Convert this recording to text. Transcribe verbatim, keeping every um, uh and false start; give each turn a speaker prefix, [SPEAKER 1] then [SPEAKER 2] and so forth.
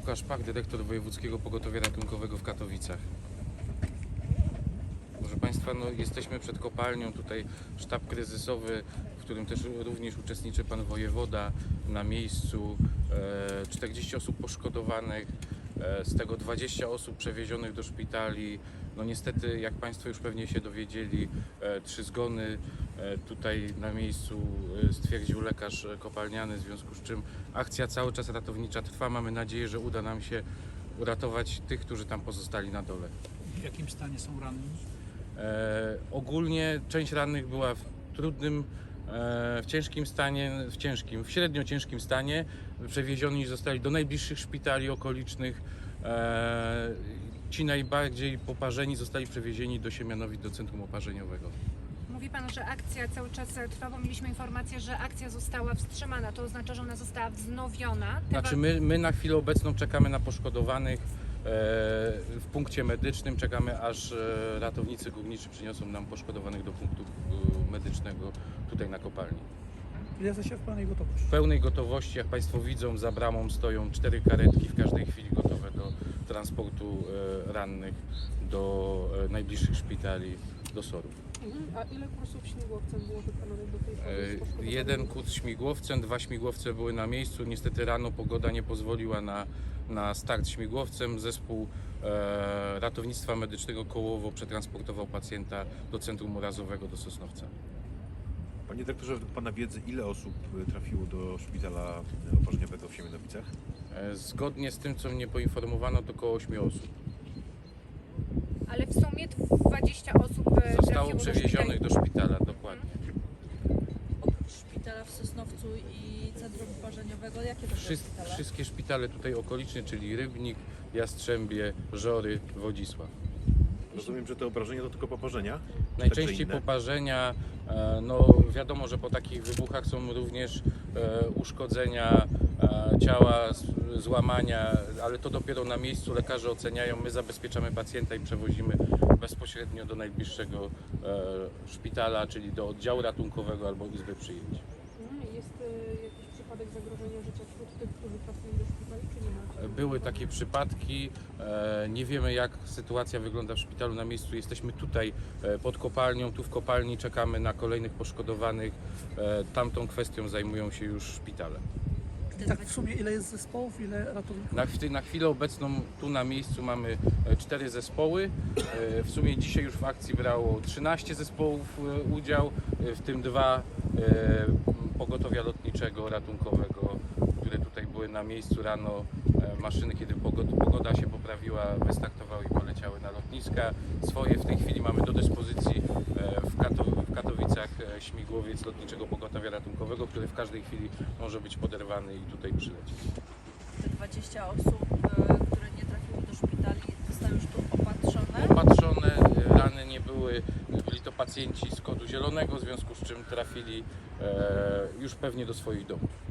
[SPEAKER 1] Łukasz Pach, dyrektor Wojewódzkiego Pogotowia Ratunkowego w Katowicach. Proszę Państwa, no, jesteśmy przed kopalnią, tutaj sztab kryzysowy, w którym też również uczestniczy Pan Wojewoda na miejscu, e, czterdzieści osób poszkodowanych, e, z tego dwadzieścia osób przewiezionych do szpitali. No niestety, jak Państwo już pewnie się dowiedzieli, e, trzy zgony e, tutaj na miejscu e, stwierdził lekarz kopalniany, w związku z czym akcja cały czas ratownicza trwa. Mamy nadzieję, że uda nam się uratować tych, którzy tam pozostali na dole.
[SPEAKER 2] W jakim stanie są ranni?
[SPEAKER 1] E, ogólnie część rannych była w trudnym, e, w ciężkim stanie, w ciężkim, w średnio ciężkim stanie. Przewiezioni zostali do najbliższych szpitali okolicznych. E, ci najbardziej poparzeni zostali przewiezieni do Siemianowic, do centrum oparzeniowego.
[SPEAKER 3] Mówi Pan, że akcja cały czas trwa, bo mieliśmy informację, że akcja została wstrzymana. To oznacza, że ona została wznowiona. Te
[SPEAKER 1] Znaczy my, my na chwilę obecną czekamy na poszkodowanych. W punkcie medycznym czekamy, aż ratownicy górniczy przyniosą nam poszkodowanych do punktu medycznego tutaj na kopalni.
[SPEAKER 2] Ile jesteście w pełnej gotowości?
[SPEAKER 1] W pełnej gotowości, jak Państwo widzą, za bramą stoją cztery karetki w każdej chwili gotowe do transportu rannych do najbliższych szpitali, do SOR-ów.
[SPEAKER 4] A ile kursów śmigłowcem było wykonanych do tej pory?
[SPEAKER 1] Jeden kurs śmigłowcem, dwa śmigłowce były na miejscu. Niestety rano pogoda nie pozwoliła na, na start śmigłowcem. Zespół e, ratownictwa medycznego Kołowo przetransportował pacjenta do centrum urazowego do Sosnowca.
[SPEAKER 5] Panie dyrektorze, według Pana wiedzy, ile osób trafiło do szpitala oparzeniowego w Siemianowicach?
[SPEAKER 1] E, zgodnie z tym, co mnie poinformowano, to około ośmiu osób.
[SPEAKER 3] Ale w sumie dwadzieścia osób
[SPEAKER 1] Zostało przewiezionych do szpitala, dokładnie.
[SPEAKER 6] Oprócz szpitala w Sosnowcu i centrum oparzeniowego, jakie to były
[SPEAKER 1] Wszy,
[SPEAKER 6] szpitale?
[SPEAKER 1] wszystkie szpitale tutaj okoliczne, czyli Rybnik, Jastrzębie, Żory, Wodzisław.
[SPEAKER 5] Rozumiem, że te obrażenia to tylko poparzenia? Czy
[SPEAKER 1] Najczęściej
[SPEAKER 5] także inne?
[SPEAKER 1] poparzenia, e, no wiadomo, że po takich wybuchach są również e, uszkodzenia e, ciała, z- złamania, ale to dopiero na miejscu lekarze oceniają. My zabezpieczamy pacjenta i przewozimy bezpośrednio do najbliższego e, szpitala, czyli do oddziału ratunkowego albo izby przyjęć.
[SPEAKER 4] Mhm. Jest y, jakiś przypadek zagrożenia życia wśród tych, którzy trafili do szpitali, czy nie ma?
[SPEAKER 1] Były takie przypadki, e, nie wiemy jak sytuacja wygląda w szpitalu na miejscu. Jesteśmy tutaj e, pod kopalnią, tu w kopalni czekamy na kolejnych poszkodowanych. E, Tamtą kwestią zajmują się już szpitale.
[SPEAKER 2] Tak w sumie ile jest zespołów, ile ratowników?
[SPEAKER 1] Na, chwi- na chwilę obecną tu na miejscu mamy e, cztery zespoły. E, W sumie dzisiaj już w akcji brało trzynaście zespołów e, udział, e, w tym dwa e, pogotowia lotniczego, ratunkowego, które tutaj były na miejscu rano. E, Maszyny, kiedy pogoda, pogoda się poprawiła, wystartowały i poleciały na lotniska. Swoje w tej chwili mamy do dyspozycji e, w, Kato, w Katowicach e, śmigłowiec lotniczego pogotowia ratunkowego, który w każdej chwili może być poderwany i tutaj przylecieć.
[SPEAKER 6] Te dwadzieścia osób, e, które nie trafiły do szpitali, zostały już tu opatrzone.
[SPEAKER 1] Opatrzone, e, rany nie były, byli to pacjenci z kodu zielonego, w związku z czym trafili e, już pewnie do swoich domów.